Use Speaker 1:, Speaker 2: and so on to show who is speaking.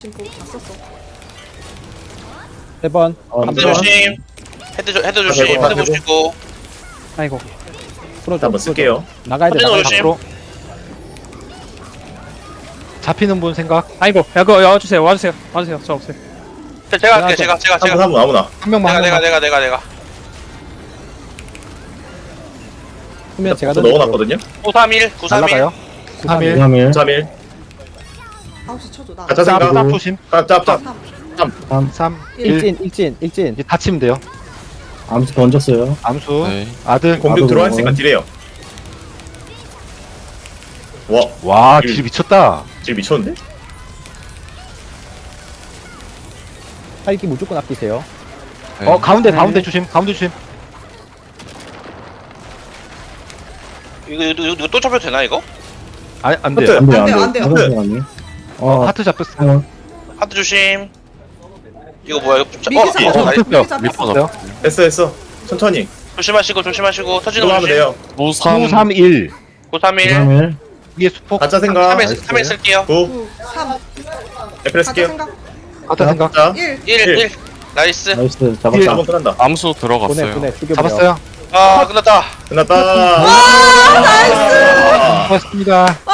Speaker 1: 지금 보고 다 썼어.
Speaker 2: 3번.
Speaker 3: 헤드 조심. 헤드 조심.
Speaker 4: 대고,
Speaker 3: 헤드 보시고.
Speaker 2: 아이고. 풀어줘.
Speaker 4: 한번 쓸게요.
Speaker 2: 나가야 돼.
Speaker 3: 터진
Speaker 2: 나가야 돼.
Speaker 3: 조심.
Speaker 2: 앞으로.
Speaker 5: 잡히는 분 생각.
Speaker 2: 아이고. 야, 그거 와주세요. 와주세요. 와주세요. 저 없어요.
Speaker 3: 제가 할게. 제가.
Speaker 4: 한분 아무나.
Speaker 5: 한 명만.
Speaker 3: 내가.
Speaker 2: 후면 제가
Speaker 4: 저 넣어놨거든요.
Speaker 3: 931. 931.
Speaker 5: 날라가요. 3일.
Speaker 4: 3일.
Speaker 1: 9시 쳐줘 나.
Speaker 4: 가짜
Speaker 5: 짭,
Speaker 4: 생각.
Speaker 5: 짭 조심.
Speaker 4: 짭짭짭.
Speaker 5: 3, 1.
Speaker 2: 일진.
Speaker 5: 이제 다치면 돼요.
Speaker 6: 암수 던졌어요.
Speaker 5: 암수.
Speaker 7: 네.
Speaker 5: 아들.
Speaker 4: 공격 들어와 있으니까 딜해요. 와,
Speaker 5: 와, 길 미쳤다.
Speaker 4: 질 미쳤는데?
Speaker 2: 살기 무조건 아끼세요.
Speaker 7: 네.
Speaker 5: 가운데 조심. 가운데 조심.
Speaker 3: 이거 또 잡혀도 되나 이거?
Speaker 5: 아, 안
Speaker 4: 하트.
Speaker 5: 돼요.
Speaker 6: 안 돼요,
Speaker 1: 안 돼요,
Speaker 6: 안
Speaker 1: 안 돼요.
Speaker 6: 돼요. 화장실 갔네.
Speaker 5: 하트 잡혔어요.
Speaker 3: 하트 조심. 이거 뭐야?
Speaker 1: 미기 잡았어.
Speaker 5: 어,
Speaker 3: 나이스.
Speaker 1: 미기 잡았어.
Speaker 5: 잡혔어요.
Speaker 4: 됐어. 천천히.
Speaker 3: 조심하시고 터지는
Speaker 4: 들어가면
Speaker 3: 조심.
Speaker 4: 돼요.
Speaker 5: 931.
Speaker 3: 931.
Speaker 6: 3일.
Speaker 5: 위에 수폭.
Speaker 4: 가짜 생각.
Speaker 3: 3일 쓸게요.
Speaker 4: 9.
Speaker 1: 9, 3.
Speaker 4: 에프레스
Speaker 1: 가짜
Speaker 4: 게요.
Speaker 1: 생각.
Speaker 5: 가짜 생각.
Speaker 4: 자,
Speaker 1: 1.
Speaker 3: 1. 나이스.
Speaker 6: 나이스.
Speaker 5: 일.
Speaker 6: 잡았다.
Speaker 4: 한번 끝난다.
Speaker 7: 암수 들어갔어요.
Speaker 2: 보내. 죽여버려.
Speaker 5: 잡았어요.
Speaker 3: 아, 끝났다.
Speaker 4: 끝났다.
Speaker 5: 고맙습니다.